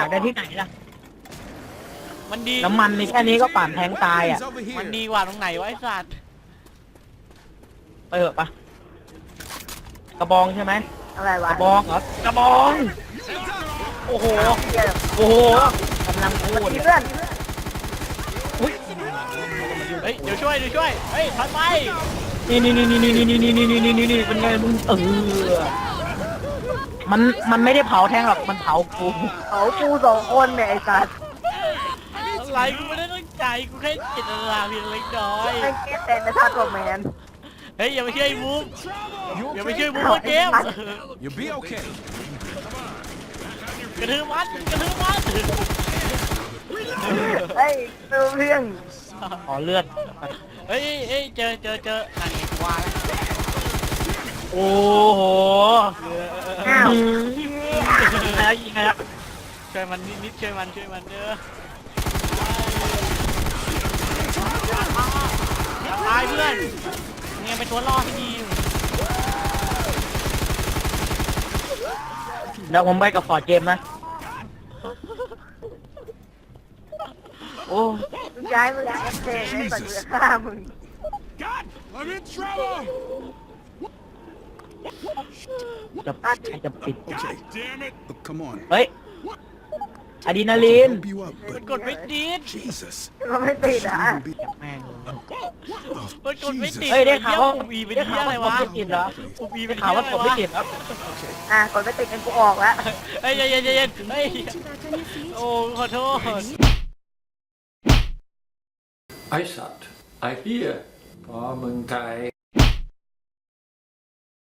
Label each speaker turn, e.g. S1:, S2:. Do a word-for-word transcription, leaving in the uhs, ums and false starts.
S1: ได้ที่ไหนล่ะ
S2: มันดี
S1: น้ำมันนี่แค่นี้ก็ปั่นแทงตายอ่ะ
S2: มันดีกว่าตรงไหนวะไอ้สัตว์
S1: ไปเถอะปะกระบองใช่ไหม
S3: อะไร
S1: ก
S3: วะ
S1: ระบองเหรอกระบอง โอ้โห โอ้โหกำลังพูด
S3: เพื่อน
S1: อุ้ย
S2: เฮ้ยเดี๋ยวช่วยเดี๋ยวช่วยเฮ้ยถอยไป
S1: นี่นี่นี่นี่นี่นี่นี่นี่นี่นี่นี่นี่เป็นไงมึงเออมันมันไม่ได้เผาแทงหรอกมันเผากู
S3: เขากูสองคนเนี่ยไอ้สัตว์
S2: อะไรกูไม่ได้ตั้งใจกูแค่เจตนาเพียงเล็กน้อย
S3: ไอ้เกตแต่ในท่าตัวแมน
S2: เฮ้ยอย่าไปช่วยมุกอย่าไปช่วยมุกว่าเกม
S4: You'll be okay.
S2: กระทืบมันกระทืบมัน
S3: เฮ้ยเพื่อน
S1: ขอเลือด
S2: เฮ้ยเฮ้ยเจอเจอเจอนั่นไงกูว่าแล้ว
S1: โอ้โห
S3: อ้าว
S1: ยิงไงแล้วยิงไงแล้ว
S2: ช่วยมันนิดนิดช่วยมันช่วยมันเด้ออย่าตายเพื่อนเนี่ยเป็นตัวล่อที่ดี
S1: เดี๋ยวผมไปกับฟอร์ดเกมนะ โอ้
S3: ย้ายมึงแอคเทนไอ้สัตว์กูจะฆ่ามึง
S4: God, I'm in trouble.
S1: จะใครจะปิด
S4: Okay, damn it. Oh, come on.
S1: เฮ้ยอะดรีนาลีน
S4: Help you up,
S2: มัน
S4: but
S2: กดไม่ติด
S4: Jesus.
S3: มันไม่ติดอ่ะ
S4: Shouldn't be-
S1: แม่ง
S4: Oh,
S2: มันกดไม่ติด
S1: เฮ้ยได้ข่าวว่า
S2: ปุ่มอีเป็น
S1: ได้
S2: ที่
S1: ข่าว
S2: อะไร
S1: ว่ากด
S2: วะ
S1: ไม่ติดเหรอ
S2: ปุ่มอีเป็
S1: ได้
S2: น
S1: ข่าว
S2: ที่
S1: ว่า
S2: อะไร
S1: กดไม่
S2: วะ
S1: ติดครับ
S3: อ่ะกดไม่ติดกันกูออกแล้ว
S2: เฮ้ยเย็นเย็นเย็นเฮ้ยโอ้ขอโทษ
S5: ไอสัตว์ไอเฮียพอมึงไทย